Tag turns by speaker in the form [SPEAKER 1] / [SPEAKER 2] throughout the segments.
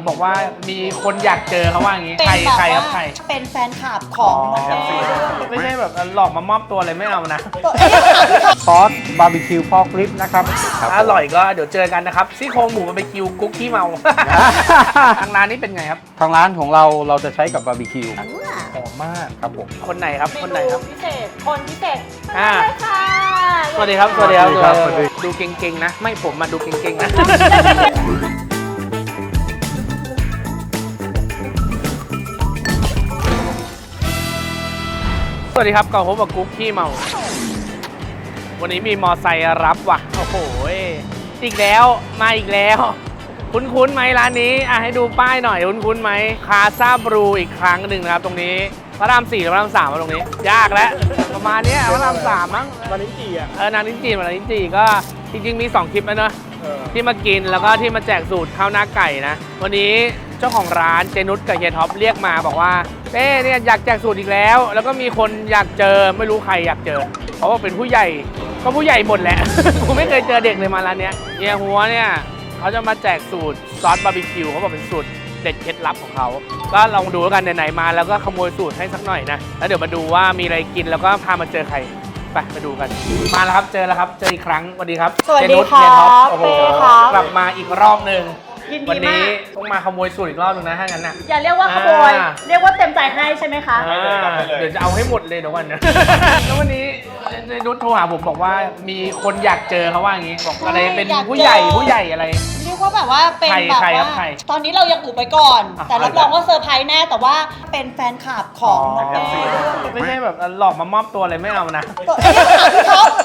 [SPEAKER 1] บอกว่ามีคนอยากเจอเขาว่าอย่างงี้
[SPEAKER 2] เป็น
[SPEAKER 1] ใคร
[SPEAKER 2] แบบ
[SPEAKER 1] ครับ
[SPEAKER 2] ว่า
[SPEAKER 1] ใคร
[SPEAKER 2] เป็นแฟนคลับของน้องเต้ด้วย
[SPEAKER 1] ไม่ใช่แบบหลอกมามอบตัวเลยไม่เอานะ
[SPEAKER 2] ตัวเอง
[SPEAKER 3] ซอสบาร์บีคิวพอกลิปนะครับ
[SPEAKER 1] อร่อยก็เดี๋ยวเจอกันนะครับซี่โครงหมูบาร์บีคิวกุ๊กขี้เมา ทางร้านนี้เป็นไงครับ
[SPEAKER 3] ทางร้านของเราจะใช้กับบาร์บีคิว
[SPEAKER 1] หอมมาก
[SPEAKER 3] ครับผม
[SPEAKER 1] คนไหนครับคนไหนครับ
[SPEAKER 2] พิเศษคนพิเศษ
[SPEAKER 1] อ่า
[SPEAKER 2] ใช่ค่ะ
[SPEAKER 1] สวัสดีครับสวัสดีครับ
[SPEAKER 3] สวัสดี
[SPEAKER 1] ดูเก่งๆนะ ไม่ผมมาดูเก่งๆนะ สวัสดีครับก่อนพบกับกุ๊กขี้เมา วันนี้มีมอไซค์รับว่ะ โอ้โหอีกแล้วมาอีกแล้ว คุ้นๆไหมร้านนี้ให้ดูป้ายหน่อยคุ้นๆไหมคาซาบรูอีกครั้งหนึ่งนะครับตรงนี้พระราม4หรือพระราม3มาตรงนี้ ยากแล้วประมาณนี้พระราม3มั้ง
[SPEAKER 3] วันนี้กี่อ่ะ
[SPEAKER 1] นางลิ้นจี่นางลิ้นจี่ก็จริงๆมี2คลิปแล้วเนอะที่มากินแล้วก็ที่มาแจกสูตรข้าวหน้าไก่นะวันนี้เจ้าของร้านเจนุชกับเฮียท็อปเรียกมาบอกว่าเต้เนี่ยอยากแจกสูตรอีกแล้ว แล้วก็มีคนอยากเจอไม่รู้ใครอยากเจอเพราะว่าเป็นผู้ใหญ่ก็ผู้ใหญ่หมดแหละ กูไม่เคยเจอเด็กเลยมาร้านเนี้ยเฮียหัวเนี่ยเขาจะมาแจกสูตรซอสบาร์บีคิวเขาบอกเป็นสูตรเด็ดเคล็ดลับของเขาก็ลองดูแล้วกันไหนๆมาแล้วก็ขโมยสูตรให้สักหน่อยนะแล้วเดี๋ยวมาดูว่ามีอะไรกินแล้วก็พามาเจอใครไปดูกันมาแล้วครับเจอแล้วครับเจออีกครั้งสวัสดีครับ
[SPEAKER 2] สวัสดี
[SPEAKER 1] เจนุช
[SPEAKER 2] ค่ะ
[SPEAKER 1] เฮียท็อปโอ้โห
[SPEAKER 2] เป้ครับ
[SPEAKER 1] กลับมาอีกรอบหนึ่ง
[SPEAKER 2] ยิน
[SPEAKER 1] วั
[SPEAKER 2] ดี
[SPEAKER 1] นี้
[SPEAKER 2] มาก
[SPEAKER 1] ต้องมาขโมยสูตรอีกรอบหนึงนะถ้างั้นนะ
[SPEAKER 2] อย่าเรียกว่าขโมย เรียกว่าเต็มใจให้ใช่ไหมคะ
[SPEAKER 1] เดี๋ยวจะเอาให้หมดเลยเดี๋ยววันนะ แล้ววันนี้เจนุชโทรหาผมบอกว่ามีคนอยากเจอเขาว่าอย่างงี้บอกอะไรเป็น
[SPEAKER 2] อยากเจอ
[SPEAKER 1] ผู้ใหญ่อะไร
[SPEAKER 2] เรียกว่าแบบว่าเป็น
[SPEAKER 1] ใคร
[SPEAKER 2] แบบ
[SPEAKER 1] ใครครั
[SPEAKER 2] ว่า
[SPEAKER 1] บใคร
[SPEAKER 2] ตอนนี้เรายังอุบไปก่อน
[SPEAKER 1] อ่ะ
[SPEAKER 2] แต่รับรองว่าเซอร์ไพรส์แน่แต่ว่าเป็นแฟนคลับของน้องเต้ด้วย
[SPEAKER 1] ไม่ใช่แบบหลอกมามอบตัวเลยไม่เอานะ
[SPEAKER 2] ตัวเองถามพี่ท็อป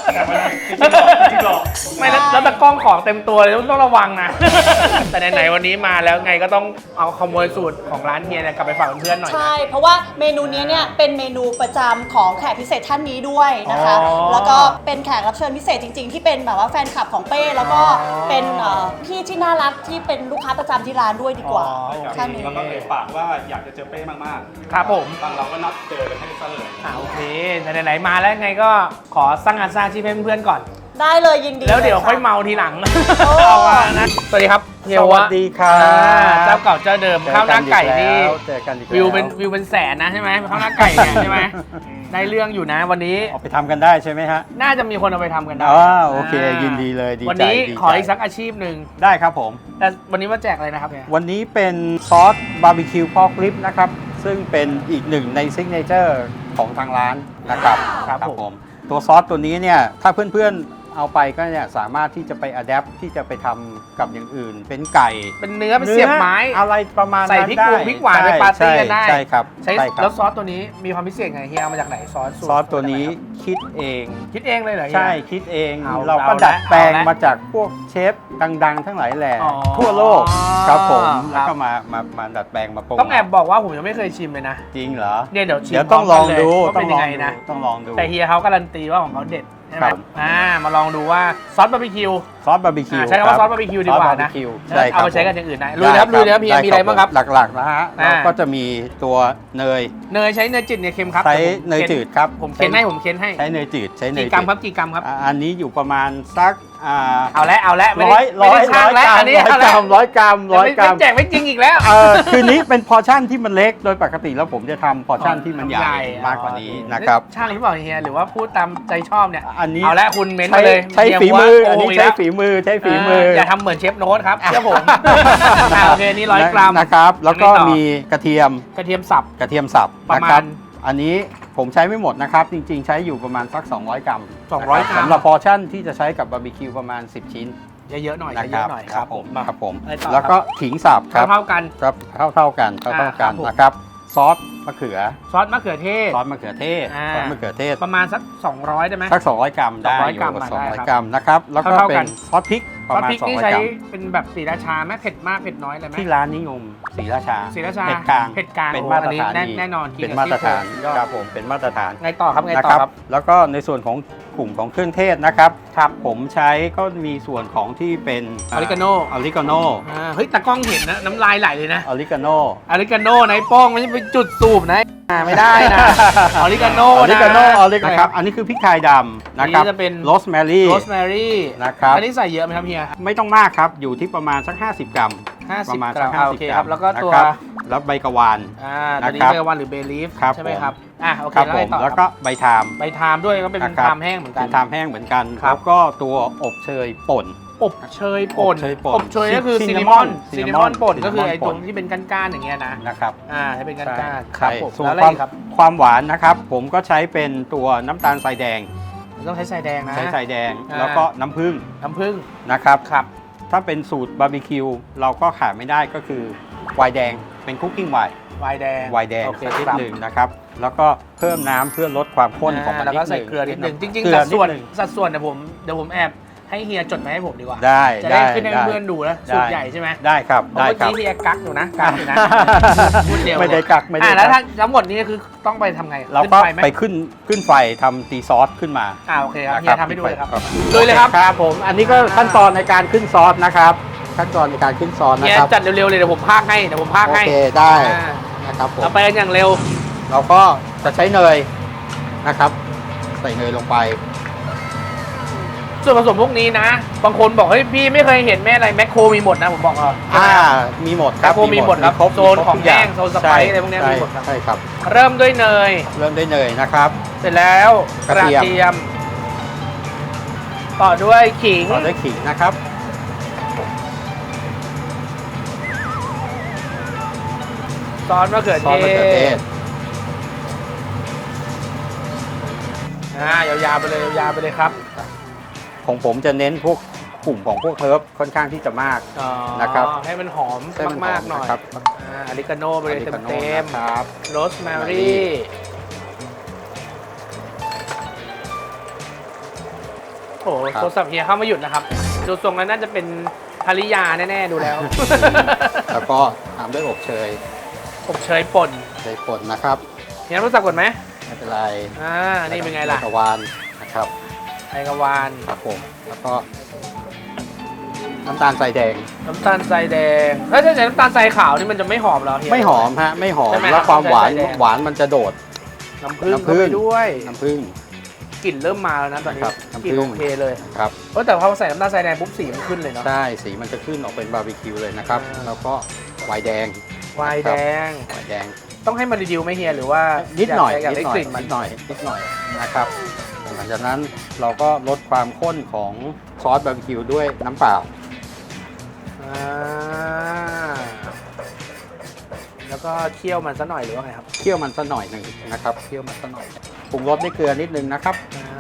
[SPEAKER 1] ไม่แล้วตะกล้องของเต็มตัวเลยต้องระวังนะ แต่ไหนๆวันนี้มาแล้วไงก็ต้องเอาขโมยสูตรของร้านเฮียเนี่ยกลับไปฝากเพื่อนๆหน่อย
[SPEAKER 2] ใช่ เพราะว่าเมนูนี้เนี่ยเป็นเมนูประจำของแขกพิเศษท่านนี้ด้วยนะคะ
[SPEAKER 1] อ๋อ
[SPEAKER 2] แล้วก็เป็นแขกรับเชิญพิเศษจริง ๆ ที่เป็นแบบว่าแฟนคลับของเป้แล้วก็เป็นพี่ที่น่ารักที่เป็นลูกค้าประจำที่ร้านด้วยดีกว่า
[SPEAKER 1] โอเค
[SPEAKER 2] ท่านนี้
[SPEAKER 4] แล้วก็เอ่ยปากว่าอยากจะเจอเป้มาก
[SPEAKER 1] ครับผม
[SPEAKER 4] ๆบางเราก็นัดเจอกันให้ซะเลย
[SPEAKER 1] โอเคไหนๆมาแล้วไงก็ขอสร้างงานสร้างอาชีพให้เพื่อนๆก่อน
[SPEAKER 2] ได้เลยยินดี
[SPEAKER 1] แล้วเดี๋ยวค่อยเมาทีหลัง เอาว่านะสวัสดีครับเฮีย
[SPEAKER 3] ส
[SPEAKER 1] วะ
[SPEAKER 3] วัสดีครับ
[SPEAKER 1] เจ้าเก่าเจ้าเดิมข้าวหน้าไก่นี่
[SPEAKER 3] เจอกันอีกแล้ว
[SPEAKER 1] วิวเป็นแสนนะใช่ไหมข้าวหน้าไก่เนี่ยใช่ไหมได้เรื่องอยู่นะวันนี้
[SPEAKER 3] เอาไปทำกันได้ใช่ไหมฮะ
[SPEAKER 1] น่าจะมีคนเอาไปทำกันได้
[SPEAKER 3] โอเคยินดีเลยดีใจ
[SPEAKER 1] วันนี้
[SPEAKER 3] ดีใจ
[SPEAKER 1] ขออีกสักอาชีพหนึ่ง
[SPEAKER 3] ได้ครับผม
[SPEAKER 1] แต่วันนี้มาแจกอะไรนะครับเนี่ย
[SPEAKER 3] วันนี้เป็นซอสบาร์บีคิวพอกลิปนะครับ ซึ่งเป็นอีกหนึ่งในซิกเนเจอร์ของทางร้านนะครับ
[SPEAKER 1] ครับผม
[SPEAKER 3] ตัวซอสตัวนี้เนี่ยถ้าเพื่อนๆเอาไปก็เนี่ยสามารถที่จะไปอัดแอปที่จะไปทำกับอย่างอื่น เป็นไก่
[SPEAKER 1] เป็นเนื้อเป็นเสียบไม้
[SPEAKER 3] อะไรประมาณ
[SPEAKER 1] ใส่
[SPEAKER 3] นั้น
[SPEAKER 1] พริก
[SPEAKER 3] ได้
[SPEAKER 1] พริกหวานไปปาร์ตี้กันได้
[SPEAKER 3] ใช่ครับ
[SPEAKER 1] ใช้
[SPEAKER 3] ใช่ครั
[SPEAKER 1] แล้
[SPEAKER 3] บ
[SPEAKER 1] วซอสตัวนี้มีความพิเศษไงเฮียเอามาจากไหนซอสสูตร
[SPEAKER 3] ซอสตัวนี้คิดเอง
[SPEAKER 1] คิดเองเลยเหรอเฮีย
[SPEAKER 3] ใช่คิดเอง
[SPEAKER 1] เอา
[SPEAKER 3] เราก็
[SPEAKER 1] เอาละ
[SPEAKER 3] ดัดแปลง
[SPEAKER 1] เอาละ
[SPEAKER 3] มาจากพวกเชฟดังๆ ทั้งหลายแหล่
[SPEAKER 1] อ๋อ
[SPEAKER 3] ทั่วโลกครับผม
[SPEAKER 1] ครับ
[SPEAKER 3] แล้วก็มาดัดแปลงมาปรุง
[SPEAKER 1] ต้องแอบบอกว่าผมยังไม่เคยชิมเลยนะ
[SPEAKER 3] จริงเหรอ
[SPEAKER 1] เนี่ยเดี๋ยวชิม
[SPEAKER 3] เดี๋ยวต้องลองดู
[SPEAKER 1] ว่าเป็นยังไงนะ
[SPEAKER 3] ต้องลองดู
[SPEAKER 1] แต่เฮียเขาการันตีว่าของเขาเด็ดใช่ไหม
[SPEAKER 3] ครับ
[SPEAKER 1] มาลองดูว่าซอสบาร์บีคิว
[SPEAKER 3] ซอสบาร์บีคิว
[SPEAKER 1] ใช้คำว่าซอสบาร์บีคิวดีกว่านะ
[SPEAKER 3] ซอสบาร์บีคิวใช่ครับ
[SPEAKER 1] เอาไปใช้กันอย่างอื่นได้ลุยนะครับลุยนะครับเฮียมีอะไรบ้างครับ
[SPEAKER 3] หลักๆนะฮะ
[SPEAKER 1] อ่า
[SPEAKER 3] เราก็จะมีตัวเนย
[SPEAKER 1] เนยใช้เนยจืดเนยเค็มครับ
[SPEAKER 3] ใช้เนยจืดครับ
[SPEAKER 1] ผมเค้นให้ผมเค้นให้
[SPEAKER 3] ใช้เนยจืดใช้เนย
[SPEAKER 1] กี่กรัมครับกี่กรัมครับ
[SPEAKER 3] อันนี้อยู่ประมาณสัก
[SPEAKER 1] เอาละไม่
[SPEAKER 3] ร้
[SPEAKER 1] ได้
[SPEAKER 3] อย
[SPEAKER 1] ไม่ได้ช่างแล้วอันนี้เอาละ
[SPEAKER 3] ร้อยกรัม
[SPEAKER 1] ไม่แจกไม่จริงอีกแล้ว
[SPEAKER 3] คืนนี้เป็นพอร์ชั่นที่มันเล็กโดยปกติแล้วผมจะทำพอร์ชั่นที่มันใหญ่มากกว่านี้นะครับ
[SPEAKER 1] ช่างหรือเปล่าเฮียหรือว่าพูดตามใจชอบเนี่ย
[SPEAKER 3] อันนี้
[SPEAKER 1] เอาละคุณเม้น
[SPEAKER 3] ใช้
[SPEAKER 1] มาเลย
[SPEAKER 3] ใช้
[SPEAKER 1] เฮีย
[SPEAKER 3] ฝีมือ
[SPEAKER 1] ว่า
[SPEAKER 3] อันนี้
[SPEAKER 1] โกงก
[SPEAKER 3] ใช้
[SPEAKER 1] แล้ว
[SPEAKER 3] ฝีมือใช้ฝีมือ
[SPEAKER 1] อย่าทำเหมือนเชฟโน้ตครับเชื่อผมโอเคนี่100 กรัม
[SPEAKER 3] นะครับ แล้วก็
[SPEAKER 1] ยังไงต่อ
[SPEAKER 3] มีกระเทียม
[SPEAKER 1] กระเทียมสับ
[SPEAKER 3] กระเทียมสับ
[SPEAKER 1] ประ
[SPEAKER 3] นะ
[SPEAKER 1] มาณ
[SPEAKER 3] ครับ อันนี้ผมใช้ไม่หมดนะครับ จริงๆ ใช้อยู่ประมาณสัก 200 กรัม
[SPEAKER 1] 200 กรัม
[SPEAKER 3] สำหรับพอร์ชั่นที่จะใช้กับบาร์บีคิวประมาณ 10 ชิ้น
[SPEAKER 1] เยอะๆหน่อย
[SPEAKER 3] นะ
[SPEAKER 1] เย
[SPEAKER 3] ครั
[SPEAKER 1] อะ
[SPEAKER 3] บ
[SPEAKER 1] ๆหน่อย
[SPEAKER 3] ครับผม
[SPEAKER 1] มา
[SPEAKER 3] ครับผม
[SPEAKER 1] อะไรต่อ
[SPEAKER 3] แล้วก็ขิงสับครับ
[SPEAKER 1] เท่ากัน
[SPEAKER 3] ครับเท่ากันเท่า
[SPEAKER 1] ครั
[SPEAKER 3] กับ น
[SPEAKER 1] ผม
[SPEAKER 3] นะครับ ซอสมะเขือ
[SPEAKER 1] ซอสมะเขือเทศ
[SPEAKER 3] ซอสมะเขือเทศ
[SPEAKER 1] อ่า
[SPEAKER 3] ซอสมะเขือเทศ
[SPEAKER 1] ประมาณสัก200ได้ไหม
[SPEAKER 3] สัก 200 กรัมได้
[SPEAKER 1] 200
[SPEAKER 3] อยู่
[SPEAKER 1] กรัม
[SPEAKER 3] กับ
[SPEAKER 1] ได้ครับ
[SPEAKER 3] 200 กรัมนะครับ แล้วก็
[SPEAKER 1] เท่าๆ
[SPEAKER 3] เป็
[SPEAKER 1] กัน
[SPEAKER 3] นซอสพริกป
[SPEAKER 1] ซอ
[SPEAKER 3] ระ
[SPEAKER 1] ส
[SPEAKER 3] มาณ
[SPEAKER 1] พริกนี่
[SPEAKER 3] 200
[SPEAKER 1] ใช้
[SPEAKER 3] กรัม
[SPEAKER 1] เป็นแบบศรีราชาไหมเผ็ดมากเผ็ดน้อยอะไรไหม
[SPEAKER 3] ที่ร้านนิยมศรีราชา
[SPEAKER 1] ศรีราชา
[SPEAKER 3] เผ็ดกลาง
[SPEAKER 1] เผ็ดกลาง
[SPEAKER 3] เป็น
[SPEAKER 1] โอ้
[SPEAKER 3] มาตรฐาน
[SPEAKER 1] อันนี้
[SPEAKER 3] ดี
[SPEAKER 1] แน่นอนกิน
[SPEAKER 3] เป็น
[SPEAKER 1] กับ
[SPEAKER 3] มาตรฐาน
[SPEAKER 1] ซี่โครงยอด
[SPEAKER 3] ครับผมเป็นมาตรฐาน
[SPEAKER 1] ไงต่อครับไง
[SPEAKER 3] นะ
[SPEAKER 1] ต่อ
[SPEAKER 3] ครับ
[SPEAKER 1] ครับ
[SPEAKER 3] แล้วก็ในส่วนของกลุ่มของเครื่องเทศนะครับ
[SPEAKER 1] ครับ
[SPEAKER 3] ผมใช้ก็มีส่วนของที่เป็น
[SPEAKER 1] ออริกาโน
[SPEAKER 3] ออริกาโน
[SPEAKER 1] เฮ้ยตากล้องเห็นนะน้ำลายไหลเลยนะ
[SPEAKER 3] ออริกาโน
[SPEAKER 1] ออริกาโนไนโป้งไม่ใช่เป็นจุดสูบนะไม่ได้นะ ออริกาโน
[SPEAKER 3] ออริกาโน
[SPEAKER 1] นะ
[SPEAKER 3] ออริกาโนนะครับอันนี้คือพริกไทยดำนะครับ
[SPEAKER 1] อันนี้จะเป็น
[SPEAKER 3] โรสแมรี่
[SPEAKER 1] โรสแมรี่
[SPEAKER 3] นะครับ
[SPEAKER 1] อันนี้ใส่เยอะไหมครับเฮีย
[SPEAKER 3] ไม่ต้องมากครับอยู่ที่ประมาณสัก 50 กรัม
[SPEAKER 1] 50
[SPEAKER 3] ประมาณ
[SPEAKER 1] กรั
[SPEAKER 3] สั
[SPEAKER 1] ม
[SPEAKER 3] ก
[SPEAKER 1] โอเค
[SPEAKER 3] 50 ก
[SPEAKER 1] ค
[SPEAKER 3] รั
[SPEAKER 1] รั
[SPEAKER 3] ม
[SPEAKER 1] บแล้วก็ตัว
[SPEAKER 3] นะครับแล้วใบกะวาน
[SPEAKER 1] ตัวนี้
[SPEAKER 3] นะครับ
[SPEAKER 1] เบลวันหรือเบลีฟ
[SPEAKER 3] ครับ
[SPEAKER 1] ใช่ไหม
[SPEAKER 3] ผม
[SPEAKER 1] ครับโอเค
[SPEAKER 3] ครับ
[SPEAKER 1] แล้ว
[SPEAKER 3] ผ
[SPEAKER 1] ไง
[SPEAKER 3] ม
[SPEAKER 1] ต่อ
[SPEAKER 3] แล้ว
[SPEAKER 1] ค
[SPEAKER 3] ก็
[SPEAKER 1] รับ
[SPEAKER 3] ใบทาม
[SPEAKER 1] ใบทามด้วยก็เป็น
[SPEAKER 3] นะครับ
[SPEAKER 1] ทามแห้งเหมือนกั
[SPEAKER 3] เป็น นทามแห้งเหมือนกัน
[SPEAKER 1] ครับ
[SPEAKER 3] แล้วก็ตัวอบเชยป่น
[SPEAKER 1] อบเชยป่น
[SPEAKER 3] อบเชยป่น
[SPEAKER 1] อบเชยก็คือ
[SPEAKER 3] ซิ
[SPEAKER 1] ซิ
[SPEAKER 3] น
[SPEAKER 1] น
[SPEAKER 3] นาน
[SPEAKER 1] าม
[SPEAKER 3] ม
[SPEAKER 1] อ
[SPEAKER 3] อน น
[SPEAKER 1] ซินนามอนป่น
[SPEAKER 3] ซินนามอน
[SPEAKER 1] ก็คือไอ้
[SPEAKER 3] ป่
[SPEAKER 1] ตร
[SPEAKER 3] น
[SPEAKER 1] งที่เป็นก้านๆอย่างเงี้ยนะ
[SPEAKER 3] นะครับ
[SPEAKER 1] ให้เป็นก้านๆค
[SPEAKER 3] ใช่
[SPEAKER 1] รับผม
[SPEAKER 3] ส่วน
[SPEAKER 1] แล้วอะไร
[SPEAKER 3] ความ
[SPEAKER 1] อีกครับ
[SPEAKER 3] ความหวานนะครับผมก็ใช้เป็นตัวน้ำตาลทรายแดง
[SPEAKER 1] ต้องใช้ทรายแดงนะ
[SPEAKER 3] ใช้ทรายแดง
[SPEAKER 1] อ่า
[SPEAKER 3] แล้วก็น้ำผึ้ง
[SPEAKER 1] น้ำผึ้ง
[SPEAKER 3] นะครับ
[SPEAKER 1] ครับ
[SPEAKER 3] ถ้าเป็นสูตรบาร์บีคิวเราก็ขาดไม่ได้ก็คือไวน์แดงเป็นคุกกิ้งไวน์
[SPEAKER 1] ไวน์แดง
[SPEAKER 3] ไวน์แดง
[SPEAKER 1] โอเค
[SPEAKER 3] สักนิด
[SPEAKER 1] ครับ
[SPEAKER 3] หนึ่งนะครับ แล้วก็เพิ่มน้ำเพื่อลดความข้นของมัน
[SPEAKER 1] แล้ว
[SPEAKER 3] นิ
[SPEAKER 1] ก็
[SPEAKER 3] ดห
[SPEAKER 1] ใส่
[SPEAKER 3] นึ่ง
[SPEAKER 1] เกลือนิดหนึ่งจริง
[SPEAKER 3] เกลื
[SPEAKER 1] ๆ
[SPEAKER 3] อ
[SPEAKER 1] สัดส่วน
[SPEAKER 3] นิดหนึ่ง
[SPEAKER 1] สัดส่วนเดี๋ยวผมแอบให้เฮียจดมาให้ผมดีกว่า
[SPEAKER 3] ได้
[SPEAKER 1] จะได้
[SPEAKER 3] ได้
[SPEAKER 1] ขึ้นให้
[SPEAKER 3] ได้
[SPEAKER 1] เพื่อนๆดูนะสูตรใหญ่ใช่ไหม
[SPEAKER 3] ได้ครับ
[SPEAKER 1] เพราะ
[SPEAKER 3] ได้
[SPEAKER 1] เมื่อ
[SPEAKER 3] ครับ
[SPEAKER 1] กี้เฮียกักอยู่นะกักอยู่นะพูดเดียว
[SPEAKER 3] ไม่ได้กักไม่ได้
[SPEAKER 1] แล้ว
[SPEAKER 3] กัก
[SPEAKER 1] ทั้งหมดนี้คือต้องไปทำไง
[SPEAKER 3] เราก็
[SPEAKER 1] ขึ้นฟไหม
[SPEAKER 3] ไปขึ้นไฟทำตีซอสขึ้นมา
[SPEAKER 1] โอเคครับ
[SPEAKER 3] นะ
[SPEAKER 1] เฮียทำให้ดูเลยครับ
[SPEAKER 3] ครับ
[SPEAKER 1] ลุยเลยครับ
[SPEAKER 3] ครับผมอันนี้ก็ขั้นตอนในการขึ้นซอสนะครับ ขั้นตอนในการขึ้นซอสนะ
[SPEAKER 1] เฮีย
[SPEAKER 3] ครับ
[SPEAKER 1] จัดเร็วๆเลยเดี๋ยวผมพากให้
[SPEAKER 3] โอ
[SPEAKER 1] ให้
[SPEAKER 3] เคได้
[SPEAKER 1] อ่า
[SPEAKER 3] นะครับผม
[SPEAKER 1] เราไปกันอย่างเร็ว
[SPEAKER 3] เราก็จะใช้เนยนะครับ ใส่เนยลงไป
[SPEAKER 1] ส่วนผสมพวกนี้นะ บางคนบอกเฮ้ยพี่ไม่เคยเห็นแม่อะไรแมคโครมีหมดนะผมบอก
[SPEAKER 3] มีหมดครับ
[SPEAKER 1] แมคโครมีหมดครับ
[SPEAKER 3] ครบ
[SPEAKER 1] โซนของ
[SPEAKER 3] ทุกย่า
[SPEAKER 1] แห้งโซนสไปซ์อะไรพวกเนี้ย
[SPEAKER 3] ใช่
[SPEAKER 1] มีหมดครับ
[SPEAKER 3] ใช่ครับ
[SPEAKER 1] เริ่มด้วยเนย
[SPEAKER 3] เริ่มด้วยเนยนะครับ
[SPEAKER 1] เสร็จแล้วก
[SPEAKER 3] กระ
[SPEAKER 1] ระ
[SPEAKER 3] เทียม
[SPEAKER 1] เทียม ต่อด้วยขิง
[SPEAKER 3] ต่อด้วยขิงนะครับ
[SPEAKER 1] ซอสมะเขือ
[SPEAKER 3] ซอสมะเขือเทศ
[SPEAKER 1] ยาวๆไปเลยยาวๆไปเลยครับ
[SPEAKER 3] ของผมจะเน้นพวกกลุ่มของพวกเฮิร์บค่อนข้างที่จะมาก นะครับ
[SPEAKER 1] ให้มันหอม
[SPEAKER 3] ให้มันหอ
[SPEAKER 1] มากๆหน่อย
[SPEAKER 3] นะครับ
[SPEAKER 1] อริกาโน่ไปเลย
[SPEAKER 3] อริกาโน่
[SPEAKER 1] เต็ม
[SPEAKER 3] นะครับ
[SPEAKER 1] ๆโรสแมรี่โอ้โห
[SPEAKER 3] ครับ
[SPEAKER 1] โทรศัพท์เฮียเข้ามาหยุดนะครับ ดูทรงแล้วน่าจะเป็นภริยาแน่ๆดูแล้ว
[SPEAKER 3] แล้วก็ตามด้วยอบเชย
[SPEAKER 1] อบเชยป่น
[SPEAKER 3] เชยป่นนะครับ
[SPEAKER 1] เฮียรู้จักก่อนไหม
[SPEAKER 3] ไม่เป็นไร
[SPEAKER 1] นี่เป็นไงล่ะ
[SPEAKER 3] กระวานนะครับ
[SPEAKER 1] ไอกระวาน
[SPEAKER 3] ครับผมแล้วก็น้ำตาลทรายแดง
[SPEAKER 1] น้ำตาลทรายแดงถ้าใช้น้ำตาลทรายขาวนี่มันจะไม่หอมเหรอเฮีย
[SPEAKER 3] ไม่หอมฮะไม่หอม
[SPEAKER 1] ใช่ไหม
[SPEAKER 3] แล้วความหวาน
[SPEAKER 1] ใช่ใช่
[SPEAKER 3] หวานมันจะโดด
[SPEAKER 1] น้ำผึ้ง
[SPEAKER 3] น้ำผึ้
[SPEAKER 1] เข้าง ไปด้วย
[SPEAKER 3] น้ำผึ้ง
[SPEAKER 1] กลิ่นเริ่มมาแล้วนะตอนนี้
[SPEAKER 3] ครับน้ำผึ้
[SPEAKER 1] กลิ่น
[SPEAKER 3] ง
[SPEAKER 1] โอเคเลย
[SPEAKER 3] ครับ
[SPEAKER 1] แต่พอใส่น้ำตาลทรายแดงปุ๊บสีมันขึ้นเลยเนาะ
[SPEAKER 3] ใช่สีมันจะขึ้นออกเป็นบาร์บีคิวเลยนะครับ
[SPEAKER 1] อ่า
[SPEAKER 3] แล้วก็ไวน์แดง
[SPEAKER 1] ไวน์แดง
[SPEAKER 3] ไวน์แดง
[SPEAKER 1] ต้องให้มันรีดิวไหมเฮียหรือว่า
[SPEAKER 3] นิดหน่อย
[SPEAKER 1] อยาก
[SPEAKER 3] นิ
[SPEAKER 1] ได้
[SPEAKER 3] ดหน่
[SPEAKER 1] ก
[SPEAKER 3] อย
[SPEAKER 1] ลิ่นมัน
[SPEAKER 3] นิดหน่อยนิดหน่อยนะครับหลังจากนั้นเราก็ลดความข้นของซอสบาร์บีคิวด้วยน้ำเปล่า
[SPEAKER 1] อ่าแล้วก็เคี่ยวมันซะหน่อยหรือว่าไงครับ
[SPEAKER 3] เคี่ยวมันสักหน่อยหนึ่งนะครับเคี่ยวมันสักหน่อยปรุงรสด้วยเกลือนิดนึงนะครับ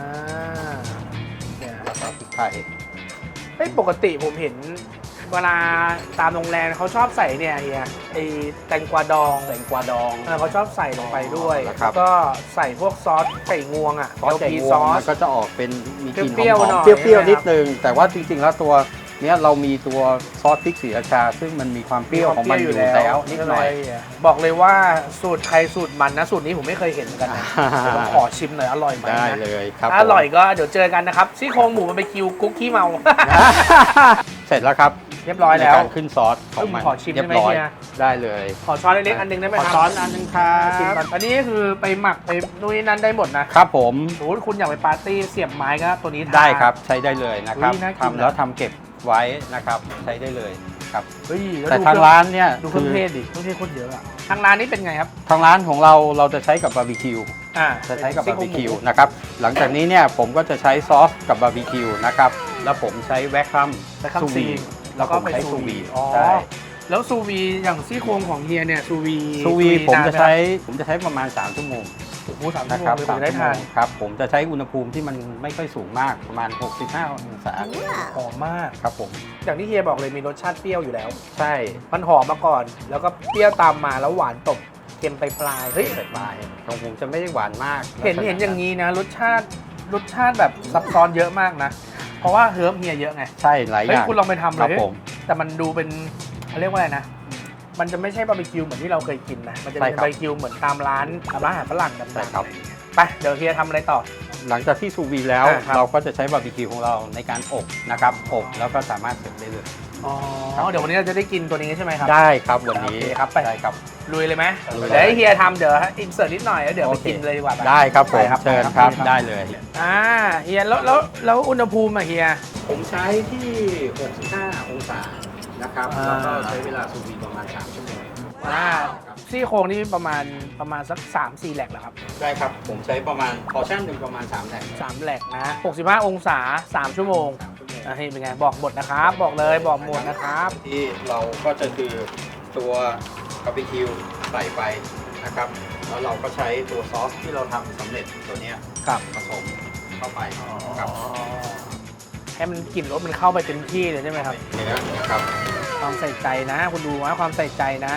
[SPEAKER 1] เนี่ย
[SPEAKER 3] แล้วก็พริกไทย
[SPEAKER 1] ปกติผมเห็นเวลาตามโรงแรมเขาชอบใส่เนี่ยเฮียไอแตงกวาดอง
[SPEAKER 3] แตงกวาดอง
[SPEAKER 1] เขาชอบใส่ลงไปด้วย
[SPEAKER 3] นะครับ
[SPEAKER 1] แล้วก็ใส่พวกซอสไก่งวงอ่ะ
[SPEAKER 3] ซอสไก่
[SPEAKER 1] LP
[SPEAKER 3] งว
[SPEAKER 1] ซ
[SPEAKER 3] ง
[SPEAKER 1] อ
[SPEAKER 3] มั
[SPEAKER 1] ส
[SPEAKER 3] นก็จะออกเป็นมีกลิ่นห
[SPEAKER 1] เปรี้ยว
[SPEAKER 3] อ
[SPEAKER 1] ๆหน่
[SPEAKER 3] ม
[SPEAKER 1] อย
[SPEAKER 3] ๆเปรี้ยว
[SPEAKER 1] นะครับ
[SPEAKER 3] ๆนิดนึงแต่ว่าจริงๆแล้วตัวเนี้ยเรามีตัวซอสพริกศรีราชา ซึ่งมันมีความเปรี้ยวของมันอยู่แล้วนิดหน่อย
[SPEAKER 1] บอกเลยว่าสูตรใครสูตรมันนะสูตรนี้ผมไม่เคยเห็นเหมือนกันนะเดี๋ยวผมขอชิมหน่อยอร่อยไหม
[SPEAKER 3] ได้
[SPEAKER 1] นะ
[SPEAKER 3] เลยครับ
[SPEAKER 1] ถ้าอร่อยก็เดี๋ยวเจอกันนะครับซี่โครงหมูมันไปคิวกุ๊กขี้เมา
[SPEAKER 3] เสร็จแล้วครับ
[SPEAKER 1] เรียบร้อยแล้ว
[SPEAKER 3] ในการขึ้นซอสของมัน
[SPEAKER 1] ขอชิมได้
[SPEAKER 3] เรีย
[SPEAKER 1] ไหม
[SPEAKER 3] บร้อย
[SPEAKER 1] เฮีย
[SPEAKER 3] ได้เลย
[SPEAKER 1] ขอช้อนเล็กๆอันหนึงได้ไหม
[SPEAKER 3] ข
[SPEAKER 1] ค
[SPEAKER 3] อ
[SPEAKER 1] รับ
[SPEAKER 3] ช้อนอันนึงครั
[SPEAKER 1] ชิม
[SPEAKER 3] บ
[SPEAKER 1] ก่อนอันนี้คือไปหมักไปนู่นนี่นั่นได้หมดนะครับ
[SPEAKER 3] ผม
[SPEAKER 1] สมมติคุณอยากไปปาร์ตี้เสียบไม้ก็ตัวนี้ทาน
[SPEAKER 3] ได้ครับใช้ได้เลยนะครับ
[SPEAKER 1] อุ๊ยน่ากิน
[SPEAKER 3] ทำแล้วทำเก็บไว้นะครับใช้ได้เลยครับ
[SPEAKER 1] เฮ้ยล้ว
[SPEAKER 3] แต่
[SPEAKER 1] ดู
[SPEAKER 3] ทางร้านเนี่ย
[SPEAKER 1] ดูเครื่องเทศดิเครื่องเทศโคตรเยอะอะทางร้านนี้เป็นไงครับ
[SPEAKER 3] ทางร้านของเราจะใช้กับบาร์บีคิว จะใช้กับบาร์บีคิวนะครับหลังจากนี้เนี่ยผมก็จะใช้ซอสกับบาร์บีคิวนะครับแล้วผมใช้แวคคัม
[SPEAKER 1] แวคคัม
[SPEAKER 3] ซู
[SPEAKER 1] ซี
[SPEAKER 3] วี
[SPEAKER 1] น
[SPEAKER 3] แล้วก็ผมใช้ซูวี
[SPEAKER 1] อ๋อ
[SPEAKER 3] ใช่
[SPEAKER 1] แล้วซูวีอย่างซี่โครงของเฮียเนี่ยซูวี
[SPEAKER 3] ซูวีผม
[SPEAKER 1] นาน
[SPEAKER 3] จะ
[SPEAKER 1] ไห
[SPEAKER 3] ใช้ประมาณ3ชั่วโมง
[SPEAKER 1] โอ้โห3 ชั่วโม
[SPEAKER 3] นะครั
[SPEAKER 1] ง
[SPEAKER 3] บ
[SPEAKER 1] เลย
[SPEAKER 3] สาม
[SPEAKER 1] ได้
[SPEAKER 3] ชั่วโม
[SPEAKER 1] ทาน
[SPEAKER 3] งครับผมจะใช้อุณหภูมิที่มันไม่ค่อยสูงมากประมาณ 65 องศา
[SPEAKER 1] หอมมาก
[SPEAKER 3] ครับผม
[SPEAKER 1] อย่างที่เฮียบอกเลยมีรสชาติเปรี้ยวอยู่แล้ว
[SPEAKER 3] ใช่
[SPEAKER 1] มันหอมมาก่อน แล้วก็เปรี้ยวตามมาแล้วหวานตบเค็มไปปลายๆเฮ้ย
[SPEAKER 3] ใส่ปลายของผมจะไม่ได้หวานมาก
[SPEAKER 1] เห็นอย่างนี้นะรสชาติแบบซับซ้อนเยอะมากนะ เพราะว่าเฮิร์บเฮียเยอะไง
[SPEAKER 3] ใช่หลายอ
[SPEAKER 1] เฮ้ย
[SPEAKER 3] ย่าง
[SPEAKER 1] คุณลองไปทำเล
[SPEAKER 3] ครั
[SPEAKER 1] ย
[SPEAKER 3] บ
[SPEAKER 1] เฮ้ย
[SPEAKER 3] ผม
[SPEAKER 1] แต่มันดูเป็นเขาเรียกว่าอะไรนะ มันจะไม่ใช่บาร์บีคิวเหมือนที่เราเคยกินนะ มันจะเป็น
[SPEAKER 3] ใช่ครับ
[SPEAKER 1] บาร์บีคิวเหมือนตามร้านอาหารฝรั่งกัน
[SPEAKER 3] ใช่ครับ
[SPEAKER 1] ไปเดี๋ยวเฮียทำอะไรต่อ
[SPEAKER 3] หลังจากที่ซูวีแล้ว
[SPEAKER 1] ครับ
[SPEAKER 3] เราก็จะใช้บาร์บีคิวของเราในการอบนะครับอบแล้วก็สามารถเสิร์ฟได้เลย
[SPEAKER 1] อ๋อเดี๋ยววันนี้เราจะได้กินตัวนี้ใช่ไหมครับ
[SPEAKER 3] ได้ครับวันนี้
[SPEAKER 1] โอเคครับไป
[SPEAKER 3] ได้ครับ
[SPEAKER 1] ลุยเลยไหม
[SPEAKER 3] ลุยเลย
[SPEAKER 1] เดี๋ยวให้เฮียทำเดี๋ยวอินเสิร์ตนิดหน่อยแล้วเดี๋ยวไปกินเลยดีกว่าป
[SPEAKER 3] ได้ครับผม
[SPEAKER 1] ไปครับ
[SPEAKER 3] เชิญ
[SPEAKER 1] ไป
[SPEAKER 3] ครับ
[SPEAKER 1] ครับ
[SPEAKER 3] ได้เลย
[SPEAKER 1] เฮียแล้วอุณหภูมิอะเฮีย
[SPEAKER 3] ผมใช้ที่ 65 องศานะครับ
[SPEAKER 1] อ่า
[SPEAKER 3] แล้วก็ใช้เวลาซูวีประมาณ3ชั่วโมง
[SPEAKER 1] ซี่โครงนี่ประมาณสัก 3-4 แหลกเหรอครับ
[SPEAKER 3] ได้ครับผมใช้ประมาณพอร์ชั่นหนึ่งประมาณ3แถว
[SPEAKER 1] 3 แหลกนะ65 องศา 3 ชั่วโมงนี่เป็นไงบอกหมดนะครับ บอกเลยบอกหมดนะครับ
[SPEAKER 3] ที่เราก็จะคือตัวบาร์บีคิวใส่ไปนะครับแล้วเราก็ใช้ตัวซอสที่เราทำสำเร็จตัวเนี้ย
[SPEAKER 1] ครับ
[SPEAKER 3] ผสมเข้าไปกับ
[SPEAKER 1] ให้มันกลิ่นรสมันเข้าไปเต็มที่เลยใช่ไหมครับ
[SPEAKER 3] เนื้อนะครับ
[SPEAKER 1] ความใส่ใจนะ คุณดูว่าความใส่ใจนะ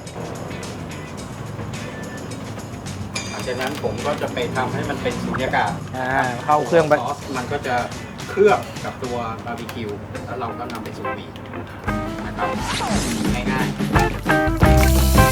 [SPEAKER 3] หลังจากนั้นผมก็จะไปทำให้มันเป็นสุญญากาศ
[SPEAKER 1] เข้าเครื่องไป
[SPEAKER 3] ซอสมันก็จะเคลือบกับตัวบาร์บีคิวแล้วเราก็นำไปซูวีนะครับง่ายๆ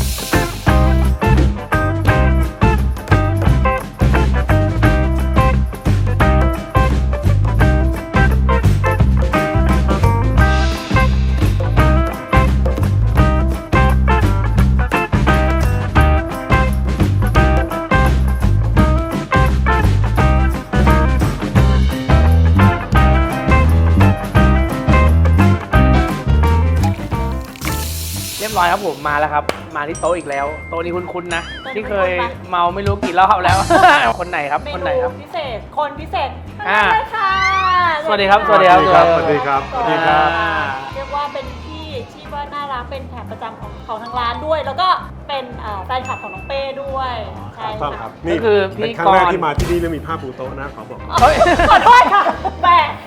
[SPEAKER 1] เรียบร้อยครับผมมาแล้วครับมาที่โต๊ะอีกแล้วโต๊ะนี้คุ้นๆนะ
[SPEAKER 2] โต๊ะนี้
[SPEAKER 1] ที่เคย
[SPEAKER 2] คุ้นๆปะ
[SPEAKER 1] เมาไม่รู้กี่รอบแล้ว คนไหนครับ
[SPEAKER 2] เม
[SPEAKER 1] คนไหน
[SPEAKER 2] นู
[SPEAKER 1] ครับ
[SPEAKER 2] พิเศษ คนพิเศษ
[SPEAKER 1] อ่า
[SPEAKER 2] มาเลยค่ะ
[SPEAKER 1] สวัสดีครับสวัสดีครับ
[SPEAKER 5] สวัสดีครับสวัสดีครับ
[SPEAKER 2] เรียกว่าเป็นพี่ที่ว่าน่ารักเป็นแขกประจำของทางร้านด้วย แล้วก็เป็นแฟนคลับของน้องเป้ด้วยใช่
[SPEAKER 5] ต้องค
[SPEAKER 2] ค่ะ
[SPEAKER 5] รับนี่
[SPEAKER 1] ก็คือพี่
[SPEAKER 5] เป็นครั้งแรก
[SPEAKER 1] กรณ์
[SPEAKER 5] ที่มาที่นี่แล้วมีผ้าปูโต๊ะนะขอบอก
[SPEAKER 1] เฮ้ย
[SPEAKER 2] ขอโทษค่ะแหม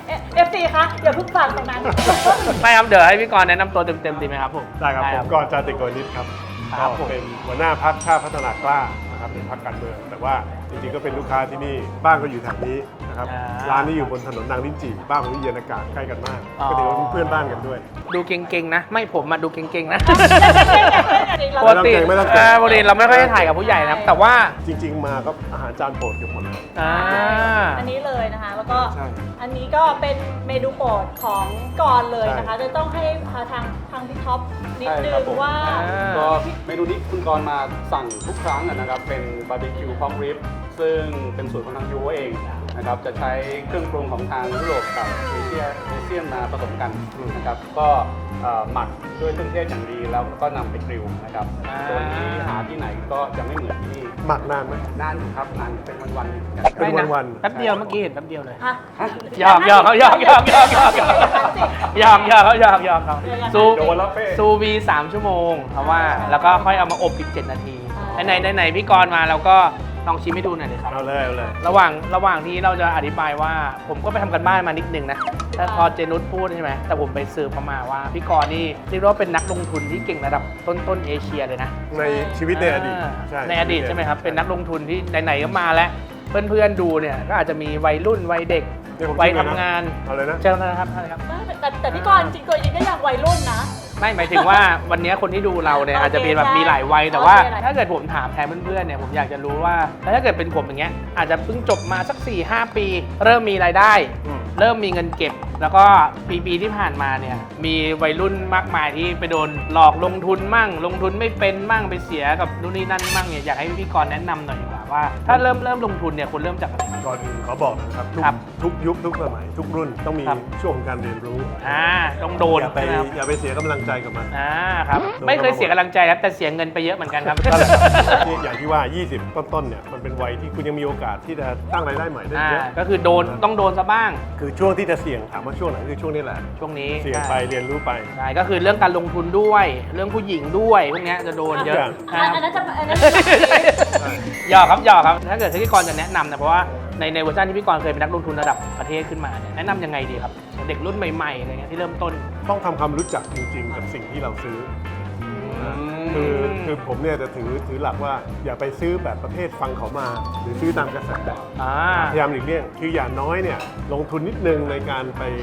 [SPEAKER 2] FC คะอย่าเพิ่งฟังตรงนั้น
[SPEAKER 1] ไม่ครับเดี๋ยวให้พี่กรณ์แนะนำตัวเต็มๆดีไหมครับผม
[SPEAKER 5] ได้ครับผมกรณ์จาติโกนิตครับ
[SPEAKER 1] ครับ
[SPEAKER 5] ก็เป็นหัวหน้าพรรคชาติพัฒนากล้านะครับเป็นพรรคการเมืองแต่ว่าจริงๆก็เป็นลูกค้าที่นี่บ้านก็อยู่แถวนี้นะครับร้านนี้อยู่บนถนนนางลิ้นจี่บ้านผมที่เย็นอากาศใกล้กันมากก็ถือว่าเป็นเพื่อนบ้านกันด้วย
[SPEAKER 1] ดูเก่งๆนะ ไม่ผมมาดูเก่งๆนะ
[SPEAKER 2] เรา
[SPEAKER 1] ปกติ
[SPEAKER 5] ไม่ต้องเก่ง
[SPEAKER 1] ปกติเราไม่ค่อยได้ถ่ายกับผู้ใหญ่นะครับแต่ว่า
[SPEAKER 5] จริง ๆ มาก็อาหารจานโปรดเกือบหมดเลย
[SPEAKER 2] อันนี้เลยนะคะ แล้วก็
[SPEAKER 5] ใช่
[SPEAKER 2] อันนี้ก็เป็นเมนูโปรดของกรณ์เลยนะคะ จะต้องให้ทางพี่ท็อปนิดนึ
[SPEAKER 4] ใช่ครับ
[SPEAKER 2] ง
[SPEAKER 4] ผม
[SPEAKER 2] ว่า
[SPEAKER 4] ก็เมนูนี้คุณกรณ์มาสั่งทุกครั้งนะครับ เป็นบาร์บีคิวพอกริบซึ่งเป็นสูตรของทางยูเองนะครับ จะใช้เครื่องปรุงของทางยุโรปกับเอเชียนมาผสมกันนะครับ ก็หมักด้วยเครื่องเทศอย่างดีแล้วก็นำไปกริลนะครับ ตัวนี้หาที่ไหนก็จะไม่เหมือนที่นี่
[SPEAKER 5] หมักนานไหม
[SPEAKER 4] นานอยู่ครับนานเป็นวันๆกัน
[SPEAKER 5] เป็น
[SPEAKER 1] ไม่ะ
[SPEAKER 5] วันๆ
[SPEAKER 1] แป๊บเดียวเมื่อกี้เห็นแป๊บเดียวเลย
[SPEAKER 2] ฮะ
[SPEAKER 1] หยอกหยอกเขาหยอกหยอกหยอกหยอกหยอกหยอกหยอกเขาหยอกหยอกเขาซู
[SPEAKER 4] โดนแล้วเป้
[SPEAKER 1] ซูวี3 ชั่วโมงเพราะว่าแล้วก็ค่อยเอามาอบอีก7 นาทีไหนพี่กรณ์มาเราก็ลองชิมให้ดูหน่อยเลยครับ
[SPEAKER 5] เอาเลยเอาเลย
[SPEAKER 1] ระหว่างที่เราจะอธิบายว่าผมก็ไปทำกันบ้านมานิดนึงนะแต่พอเจนุชพูดใช่ไหมแต่ผมไปสืบมาว่าพี่กรณ์นี่เรียกว่าเป็นนักลงทุนที่เก่งระดับต้นเอเชียเลยนะ
[SPEAKER 5] ในชีวิตในอดีต
[SPEAKER 1] ในอดีตใช่ไหมครับเป็นนักลงทุนที่ไหนๆก็มาแล้วเพื่อนๆดูเนี่ยก็อาจจะมีวัยรุ่นวัยเด็ก
[SPEAKER 5] เนี่ยผม
[SPEAKER 1] วัย
[SPEAKER 5] ชิมเลยนะ
[SPEAKER 1] ทำงาน
[SPEAKER 5] เอาเลยนะ
[SPEAKER 1] เชิญนะครับท่านครับ
[SPEAKER 2] แต่พี่กรณ์จริงตัวจริงก็ยังวัยรุ่นนะ
[SPEAKER 1] ไม่หมายถึงว่าวันนี้คนที่ดูเราเนี่ย
[SPEAKER 2] โอเค
[SPEAKER 1] อาจจะมีแบบ
[SPEAKER 2] ใช่
[SPEAKER 1] มีหลายวัยแต่ว่า
[SPEAKER 2] โอเค
[SPEAKER 1] ถ้าเกิดผมถามแทนเพื่อนๆเนี่ยผมอยากจะรู้ว่าแล้วถ้าเกิดเป็นผมอย่างเงี้ยอาจจะเพิ่งจบมาสัก 4-5 ปี เริ่มมีรายได้
[SPEAKER 5] อืม
[SPEAKER 1] เริ่มมีเงินเก็บ แล้วก็ปีที่ผ่านมาเนี่ยมีวัยรุ่นมากมายที่ไปโดนหลอกลงทุนมั่ง ลงทุนไม่เป็นมั่งไปเสียกับนู่นนี่นั่นมั่งเนี่ยอยากให้พี่กรณ์แนะนำหน่อยดีกว่าว่าถ้าเริ่มลงทุนเนี่ยคุณเริ่มจากอะไร
[SPEAKER 5] ก่อนอื่นขอบอกนะครับทุก
[SPEAKER 1] ครับ
[SPEAKER 5] ทุกยุคทุกสมัยทุกรุ่นต้องมี
[SPEAKER 1] ครับ
[SPEAKER 5] ช่วงของการเรียนรู้
[SPEAKER 1] ต้องโดน
[SPEAKER 5] อย่าไป
[SPEAKER 1] นะครับ
[SPEAKER 5] อย่าไปเสียกำลังใจกับมัน
[SPEAKER 1] ครับ
[SPEAKER 5] โดน
[SPEAKER 1] ไม่เคยเสียกำลังใจครับแต่เสียเงินไปเยอะเหมือนกันครับ
[SPEAKER 5] นั่นแหละนี่อย่างที่ว่า 20 ต้นๆเนี่ยมันเป็นวัยที่คุณยังมีโอกาสที่จะสร้างรายได้ใหม่ได้เยอะ
[SPEAKER 1] ก็คือต้องโดนซะบ้าง
[SPEAKER 5] คือช่วงที่จะเสี่ยงถามว่าช่วงไหนคือช่วงนี้แหละ
[SPEAKER 1] ช่วงนี้
[SPEAKER 5] เสี่ยงไปเรียนรู้ไป
[SPEAKER 1] ใช่ก็คือเรื่องการลงทุนด้วย เรื่องผู้หญิงด้วยพวกเนี้ยจะโดนเยอะ
[SPEAKER 2] อันนั้นจะ
[SPEAKER 1] หยอกครับหยอกครับ ถ้าเกิดที่พี่กรณ์จะแนะนำนะเพราะว่าในเวอร์ชันที่พี่กรณ์เคยเป็นนักลงทุนระดับประเทศขึ้นมาเนี่ยแนะนำยังไงดีครับ เด็กรุ่นใหม่ๆอะไรเงี้ยที่เริ่มต้น
[SPEAKER 5] ต้องทำความรู้จักจริงๆ กับสิ่งที่เราซื้อคือผมเนี่ยจะถือหลักว่าอย่าไปซื้อแบบประเภทฟังเขามา หรือซื้อตามกระแสพยายามหลีกเลี่ยงคืออย่างน้อยเนี่ยลงทุนนิดนึงในการไป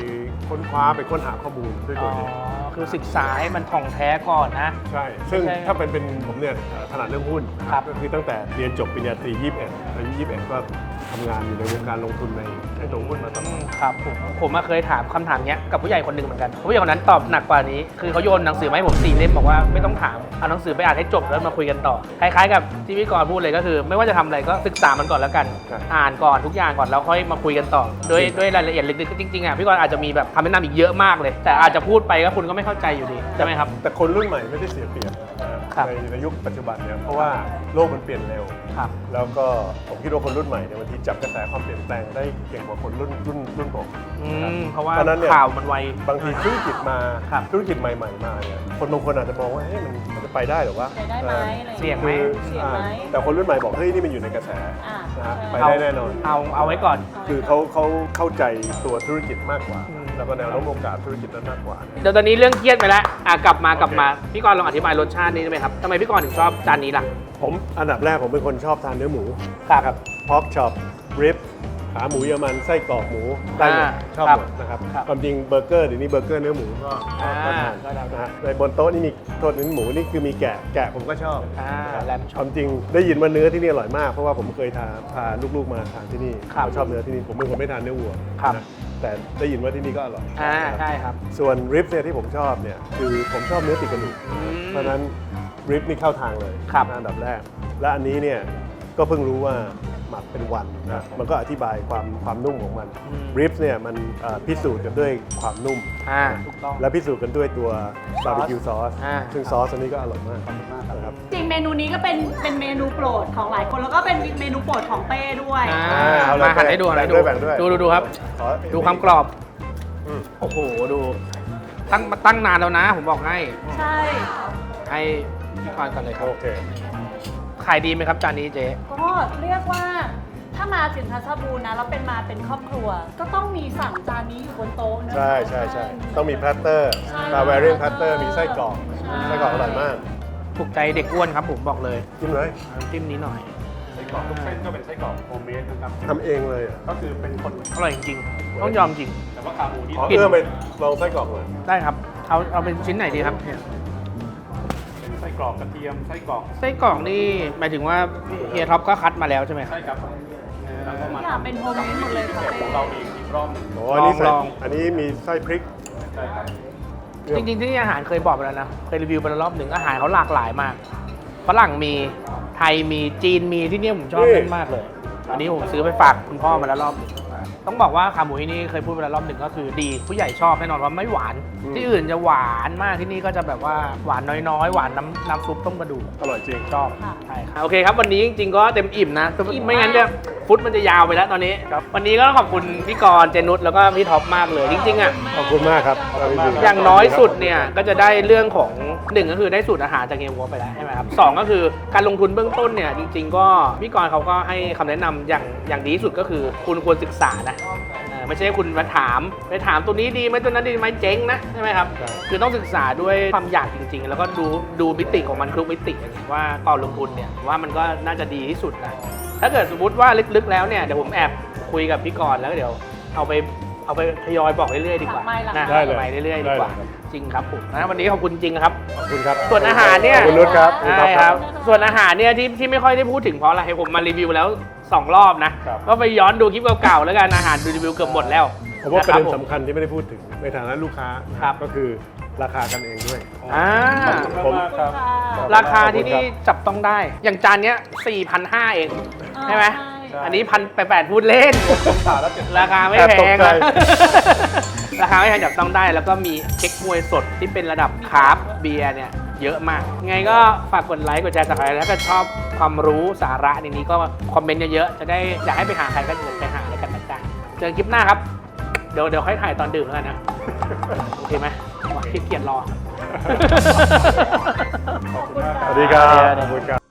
[SPEAKER 5] ค้นคว้าไปค้นหาข้อมูลด้วยตัวเอง
[SPEAKER 1] คือศึกษาให้มันท่องแท้ก่อนนะ
[SPEAKER 5] ใช่ ซึ่ง
[SPEAKER 1] ใช่
[SPEAKER 5] ถ้าเป็นผมเนี่ยถนัดเรื่องหุ้น
[SPEAKER 1] ครับ
[SPEAKER 5] ก็คือตั้งแต่เรียนจบปริญญาตรี21อายุ21ก็ทำงานอยู่ในวงการลงทุนในตัวหุ้นมาตลอด
[SPEAKER 1] ครับผมเคยถามคำถามเนี้ยกับผู้ใหญ่คนหนึ่งเหมือนกันผู้ใหญ่คนนั้นตอบหนักกว่านี้คือเขาโยนหนังสือมาให้ผม4 เล่มบอกว่าไม่ต้องถามเอาหนังสือไปอ่านให้จบแล้วมาคุยกันต่อคล้ายๆกับที่พี่กรณ์พูดเลยก็คือ ไม่ว่าจะทำอะไรก็ศึกษามันก่อนแล้วกัน
[SPEAKER 5] ครับ
[SPEAKER 1] อ่านก่อนทุกอย่างก่อนแล้วค่อยมาคุยกันต่อด้วยรายละเอียดลึกๆจริงๆอ่ะพี่กรณ์อาจจะมีแบบคำแนะนำอีกเยอะมากเลย แต่อาจจะพูดไปก็คุณก็ไม่เข้าใจอยู่ดีใช่ไหมครับ
[SPEAKER 5] แต่คนรุ่นใหม่ไม่ได้เสียเปรียบนะครับ ในยุคปัจจุบันเนี่ยเพราะว่าโลกมันเปลี่ยนเร็ว
[SPEAKER 1] ครับ
[SPEAKER 5] แล้วก็ผมคิดว่าคนรุ่นใหม่เนี่ยบางทีจับกระแสความเปลี่ยนแปลงได้เก่งกว่าคนรุ่นผม
[SPEAKER 1] เพราะว่า
[SPEAKER 5] เพราะฉะนั้นเนี่ย
[SPEAKER 1] ข่าวมันไว
[SPEAKER 5] บางทีธุรกิจมา
[SPEAKER 1] ครับ
[SPEAKER 5] ธุรกิจใหม่ๆมาเนี่ยคนบางคนอาจจะมองว่าเฮ้ยมันจะไปได้หรือวะ
[SPEAKER 2] ไปได้ไหมอะไรอางงี้
[SPEAKER 1] เสี่ยงไหม
[SPEAKER 5] คือ
[SPEAKER 2] เสี่ยงไหม
[SPEAKER 5] แต่คนรุ่นใหม่บอกเฮ้ยนี่มันอยู่ในกระแส
[SPEAKER 2] อ่า
[SPEAKER 5] นะฮะ
[SPEAKER 2] ใช่
[SPEAKER 5] ไปได้แน่นอน
[SPEAKER 1] เอาไว้ก่อน
[SPEAKER 5] คือเขาเข้าใจตัวธุรกิจมากกว่า
[SPEAKER 1] อืม
[SPEAKER 5] แล้วก็แนวโน้มโอกาสธุรกิจนั้นมากกว่า
[SPEAKER 1] เดี๋ยวตอนนี้เรื่องเครียดไปแล้วกลับมาพี่กรณ์ลองอธิบายรสชาตินี้ได้ไหมครับทำไมพี่กรณ์ถึงชอบจานนี้ล่ะ
[SPEAKER 5] ผมอันดับแรกผมเป็นคนชอบทานเนื้อหมู
[SPEAKER 1] ครับ
[SPEAKER 5] พอกช็อปริบขาหมูเยอรมันไส้กรอกหมูได้หมดชอบ
[SPEAKER 1] ครับ
[SPEAKER 5] หมดนะครับ
[SPEAKER 1] ครับ
[SPEAKER 5] ความจริงเบอร์เกอร์เดี๋ยวนี้เบอร์เกอร์เนื้อหมูก็ทาน
[SPEAKER 1] ก็ได้
[SPEAKER 5] นะฮะในบนโต๊ะนี่มีโทษเนื้อหมูนี่คือมีแกะผมก็ชอบ
[SPEAKER 1] แรม
[SPEAKER 5] ความจริงได้ยินว่าเนื้อที่นี่อร่อยมากเพราะว่าผมเคยพาลูกๆมาทานที่นี่
[SPEAKER 1] ครับ
[SPEAKER 5] เขาชอบเนื้อที่นี่ผมเป็นคนไม่ทานเนื้อวัว
[SPEAKER 1] ครับ
[SPEAKER 5] นะแต่ได้ยินว่าที่นี่ก็อร่อย
[SPEAKER 1] ใช่ครับ
[SPEAKER 5] ส่วนริบเนี่ยที่ผมชอบเนี่ยคือผมชอบเนื้อติดกระดูก เพราะฉะนั้นริบนี่เข้าทางเลย
[SPEAKER 1] ครับ
[SPEAKER 5] อันดับแรก และอันนี้เนี่ยก็เพิ่งรู้ว่าหมักเป็นวันนะมันก็อธิบายความนุ่มของมันริบเนี่ยมันพิสูจน์กันด้วยความนุ่ม
[SPEAKER 1] ถูกต้อง
[SPEAKER 5] และพิสูจน์กันด้วยตัวบาร์บีคิวซอส
[SPEAKER 1] อ่า
[SPEAKER 5] ซึ่งซอสอันนี้ก็อร่อยมากนะครับ
[SPEAKER 2] จริงเมนูนี้ก็เป็นเมนูโปรดของหลายคนแล้วก็เป็นเมนูโปรดของเป้ด้วย
[SPEAKER 5] เอาเลย
[SPEAKER 1] มาหันให้ดู
[SPEAKER 5] แบ่งด้วยแบ่งด้วย
[SPEAKER 1] ดูครับ
[SPEAKER 5] ขอ
[SPEAKER 1] ดูความกรอบ
[SPEAKER 5] อืม
[SPEAKER 1] โอ้โหดูตั้งนานแล้วนะ ผมบอกให้
[SPEAKER 2] ใช่
[SPEAKER 1] ให้พี่กรณ์ก่อนเลยครับ
[SPEAKER 5] โอเค
[SPEAKER 1] ขายดีไหมครับจานนี้เจ๊
[SPEAKER 2] ก็เรียกว่าถ้ามาถึงทัชบูรณ์นะแล้วเป็นครอบครัว ก็ต้องมีสั่งจานนี้อยู่บนโต๊ะนะ
[SPEAKER 5] ใช่ต้องมีแพลตเตอร์
[SPEAKER 2] ใช่
[SPEAKER 5] บาร์เวเรียนแพลตเตอร์มีไส้กรอก
[SPEAKER 2] ใช่
[SPEAKER 5] ไส้กรอกอร่อยมาก
[SPEAKER 1] ถูกใจเด็กอ้วนครับผมบอกเลย
[SPEAKER 5] กินเลย
[SPEAKER 1] น้ำจิ้มนี้หน่อย
[SPEAKER 4] ไส้กรอกทุกเส้นก็เป็นไส้กรอกโฮมเมดนะครับ
[SPEAKER 5] ทำเองเลยอ่ะ
[SPEAKER 4] ก็คือเป็นคน
[SPEAKER 1] อร่อยจริงๆต้องยอมจริง
[SPEAKER 4] แต่ว่าขาหมูนี่
[SPEAKER 5] ขอเอื้อมไปลองไส้กรอกหน่อย
[SPEAKER 1] ได้ครับเอาเป็นชิ้นไหนดีครับเนี่ย
[SPEAKER 4] เป็นไส้กรอกกระเทียมไส้กรอก
[SPEAKER 1] ไส้กรอกนี่หมายถึงว่าเฮียท็อปก็คัดมาแล้วใช่ไหมครับ
[SPEAKER 4] ใช่ครับแล้วก็
[SPEAKER 2] ทุ
[SPEAKER 4] มาก
[SPEAKER 2] อย่างเป็นโฮมเมดหมดเลยค่ะ
[SPEAKER 4] พิเศษของเราอีกรอบหนึ่ง
[SPEAKER 5] โอ้อันนี้ใส่
[SPEAKER 1] ลอง
[SPEAKER 5] อันนี้มีไส้พริก
[SPEAKER 4] ใช่ครับ
[SPEAKER 1] จริงๆที่นี่อาหารเคยบอกไปแล้วนะ เคยรีวิวไปแล้วรอบหนึ่งอาหารเขาหลากหลายมาก ฝรั่งมีไทยมีจีนมีที่นี่ผมชอบเล่นมากเลย อันนี้ผมซื้อไปฝากคุณพ่อมาแล้วรอบหนึ่งต้องบอกว่าขาหมูที่นี่เคยพูดไปแล้วรอบหนึ่งก็คือดีผู้ใหญ่ชอบแน่นอนว่าไม่หวาน ที่อื่นจะหวานมากที่นี่ก็จะแบบว่าหวานน้อยๆหวานน้ำซุปต้มกระดูก
[SPEAKER 5] อร่อยจริง
[SPEAKER 1] ชอบใช่ครับโอเคครับวันนี้จริงๆก็เต็มอิ่มนะไม่งั้นเนี่ยฟุตมันจะยาวไปแล้วตอนนี้วันนี้ก็ขอบคุณพี่กรณ์เจนุชแล้วก็พี่ท็อปมากเลยจริงๆอ่ะ
[SPEAKER 5] ขอบคุณมากครับ
[SPEAKER 1] อย่างน้อยสุดเนี่ยก็จะได้เรื่องของ1ก็คือได้สูตรอาหารจากเฮียวัวไปแล้วใช่ไหมครับ2ก็คือการลงทุนเบื้องต้นเนี่ยจริงๆก็พี่กรณ์เขาก็ให้คำแนะนำอย่างดีที่สุดก็คือคุณควรศึกษานะไม่ใช่คุณมาถามตัวนี้ดีไหมตัวนั้นดีไหมเจ๊งนะใช่ไหมครับคือต้องศึกษาด้วยความอยากจริงๆ แล้วก็ดูมิติของมันทุกมิติว่าก่อนลงทุนเนี่ยว่ามันก็น่าจะดีที่สุดนะถ้าเกิดสมมติว่าลึกๆแล้วเนี่ยเดี๋ยวผมแอบคุยกับพี่กรณ์แล้วเดี๋ยวเอาไปทยอยบอกเรื่อยๆดีกว่านะ
[SPEAKER 5] ได้เลย
[SPEAKER 1] ไปเรื่อยๆดีกว่า
[SPEAKER 5] ได้เลยครับ
[SPEAKER 1] จริงครับผมนะวันนี้ขอบคุณจริงครับ
[SPEAKER 5] ขอบคุณครับ
[SPEAKER 1] ส่วนอาหารเนี่ย
[SPEAKER 5] ขอบคุณนุชครับ
[SPEAKER 1] ใช่ครับ ส่วนอาหารเนี่ยที่ไม่ค่อยได้พูดถึงเพราะอะไรผมมารีวิวแล้ว2 รอบนะก็ไปย้อนดูคลิปเก่าๆแล้วกันอาหารรีวิวเกือบหมดแล้ว
[SPEAKER 5] ผมว่าประเด็น
[SPEAKER 1] คบ
[SPEAKER 5] สำคัญที่ไม่ได้พูดถึงในฐานะลูกค้า
[SPEAKER 1] ครับ
[SPEAKER 5] ก็คือราคากันเองด้วย
[SPEAKER 1] อ่า
[SPEAKER 5] ผม
[SPEAKER 4] ครับ
[SPEAKER 1] ราคาที่นี่จับต้องได้ อย่างจานเนี้ย 4,500 เองใช่ไหมอันนี้1,800พูดเล่น ราคาไม่แพง
[SPEAKER 5] แอบตกใจ
[SPEAKER 1] นะ ราคาไม่แพงจับต้องได้ แล้วก็มีเค้กมวยสดที่เป็นระดับคาร์บเบียร์เนี่ยเยอะมาก ไงก็ฝากกดไลค์กดแชร์สักหน่อยแล้วก็ชอบความรู้สาระในนี้ก็คอมเมนต์เยอะๆจะได้อยากให้ไปหาใครก็ไปหาอะไรกันนะจ๊ะเจอคลิปหน้าครับ เดี๋ยวค่อยถ่ายตอนดื่มแล้วกันนะ โอเคไหมว่าขี้เกียจรอ
[SPEAKER 5] สวัสดีครับขอบคุณครับ